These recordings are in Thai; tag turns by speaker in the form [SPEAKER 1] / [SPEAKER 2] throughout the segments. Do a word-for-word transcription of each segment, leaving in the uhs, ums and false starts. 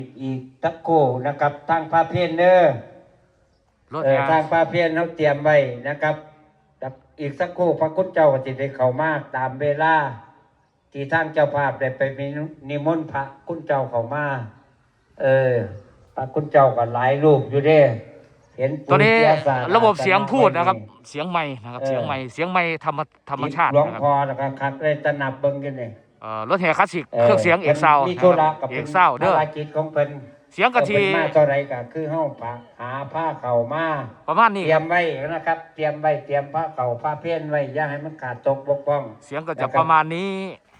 [SPEAKER 1] อีกตะโกนะครับทางพาเพียนเนอร์เออทางพาเพียนเขาเตรียมไว้นะครับอีกสักครู่พระคุณเจ้าจิตได้เข้ามาตามเวลาที่ทางเจ้าภาพได้ไปมีนิมนต์พระคุณเจ้าเข้ามาเออพระคุณเจ้าก็หลายรูปอยู่เด้เห็น
[SPEAKER 2] ตอนนี้ระบบเสียงพูดนะครับเสียงไม้นะครับเสียงไม้เสียงไม้ธรรมธรรมชาติ
[SPEAKER 1] หลวงพ่อนะครับคักเลยตะนับเบิ่งกันนี่
[SPEAKER 2] รถแห่คลาสสิกเครื่องเสียงเอกซาวด์เอกซาวด์เด้อ
[SPEAKER 1] จิตของเพิ่น
[SPEAKER 2] เสียงกะทิ
[SPEAKER 1] มาเท่าไรก็คือเฮาหาผ้าเข่ามา
[SPEAKER 2] ประมาณนี้
[SPEAKER 1] เตรียมไว้นะครับเตรียมไว้เตรียมผ้าเข่าผ้าเพี้ยนไว้อย่าให้มันขาดตกบกพร่อง
[SPEAKER 2] เสียงก็จะประมาณนี้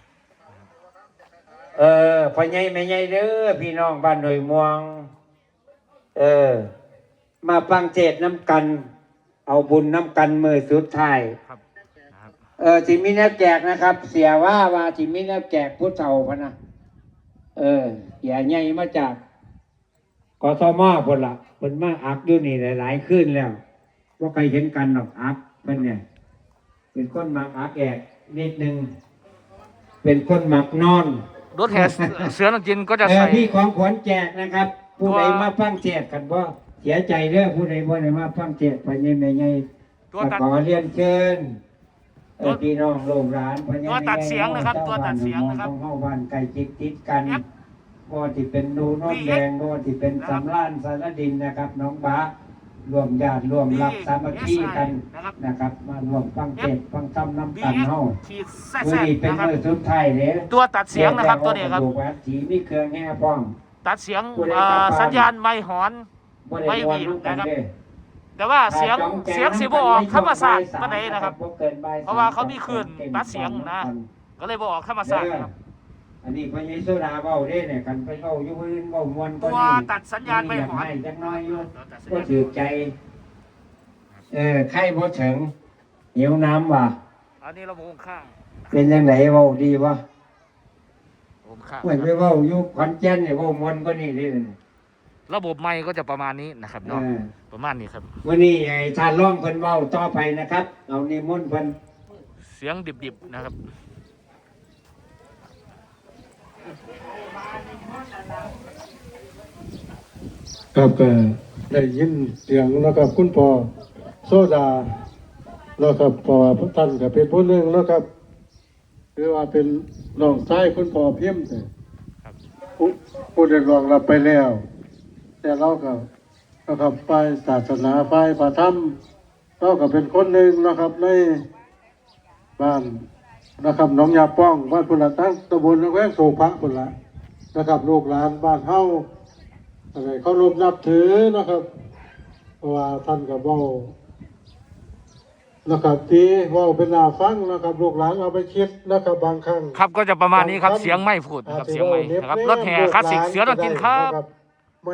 [SPEAKER 1] เออพ่อใหญ่แม่ใหญ่เด้อพี่น้องบ้านหน่วยม่วงเออมาฟังเทศน้ำกันเอาบุญน้ำกันมือสุดท้ายเออสิมีแนวแจกนะครับเสียว่าว่าสิมีแนวแจกผู้เฒ่าพะนะเออเสียใหญ่มาจากกทมพุ่นละเพิ่นมาอักอยู่นี่หลายๆคืนแล้วว่าใครเห็นกันหรอกอักเพิ่นเนี่ยเป็นคนมักอักแอกนิดนึงเป็นคนมักนอน
[SPEAKER 2] รถแห่เสือนักจินก็จะใส่
[SPEAKER 1] ที่ของขวัญแจกนะครับผู้ใดมาฟังเทศกันบ่เสียใจเด้อผู้ใดบ่ได้มาฟังเทศพ่อใหญ่แม่ใหญ่ขอเรียนเชิญพี่น้องโรงร้านพ่อใหญ่
[SPEAKER 2] ตัวตัดเสียงนะครับตัวตัดเสียงนะครับ
[SPEAKER 1] เฮาบ้านใกล้ชิดติดกันก็ที่เป็นดูโนนแดงก็ที่เป็นสำล้านสารดินนะครับน้องบ้ารวมญาติรวมรักสามัคคีกันนะครับมารวมฟังเทศฟังธรรมน้ำกันเฮาวันนี้เป็นมื้อสุดท้ายเด้อ
[SPEAKER 2] ตัวตัดเสียงนะครับตัวนี้ครับ
[SPEAKER 1] สีมีเครื่องแห่ป้อง
[SPEAKER 2] ตัดเสียงสัญญาณไม่หอนไม่หวีดนะครับแต่ว่าเสียงเสียงสีบออกธรรมศาสตร์ปานใดนะครับเพราะว่าเขามีคลื่นตัดเสียงนะก็เลยบออกธรรมศาสตร์ครับ
[SPEAKER 1] อันนี้พญโซดาเบ้าได้เนี่ยกันไปเบ้าอยู่พื้นเบ้ามวน
[SPEAKER 2] ตัวตัดสัญญาณไม่หอน
[SPEAKER 1] จักน้อยอยู่ก็ถือใจเออไข่บ่ถึงหิวน้ำว่ะ
[SPEAKER 2] อันนี้เราโมงข้าง
[SPEAKER 1] เป็นยังไงเบ้าดีวะ
[SPEAKER 2] โมงข้าง
[SPEAKER 1] เหมือนไปเบ้าอยู่ขอนแก่นเนี่ยเบ้ามวนก็นี่ดิ
[SPEAKER 2] ระบบไมค์ก็จะประมาณนี้นะครับเนาะประมาณนี้ครับ
[SPEAKER 1] วันนี้ไอ้ทานร้องเพิ่นเบ้าต่อไปนะครับเอานิมนต์เพิ่น
[SPEAKER 2] เสียงดิบๆนะครับ
[SPEAKER 3] ครับก็ได้ยินเสียงนะครับคุณพ่อโซดานะครับพ่อพระท่านก็เป็นผู้หนึ่งนะครับหรือว่าเป็นน้องชายคุณพ่อเพียมแต่ผู้ได้รองรับไปแล้วแต่เราก็นะครับฝ่ายศาสนาฝ่ายพระธรรมเราก็เป็นคนหนึ่งนะครับในบ้านนะครับหนองยาป้องบ้านพุทธตั้งตำบลแวงโศกพระพุทธนะครับลูกหลานบ้านเฮาอะไรเขารบนับถือนะครับเพราะว่าท่านกับว่านะครับที่ว่าเป็นนาฟังนะครับลูกหลานเอาไปคิดนะครับบางครั้ง
[SPEAKER 2] ครับก็จะประมาณนี้ครับเสียงไม่พูดนะครับเสียงไม่นะครับรถแห่คลาสสิกเสือนักกินครับ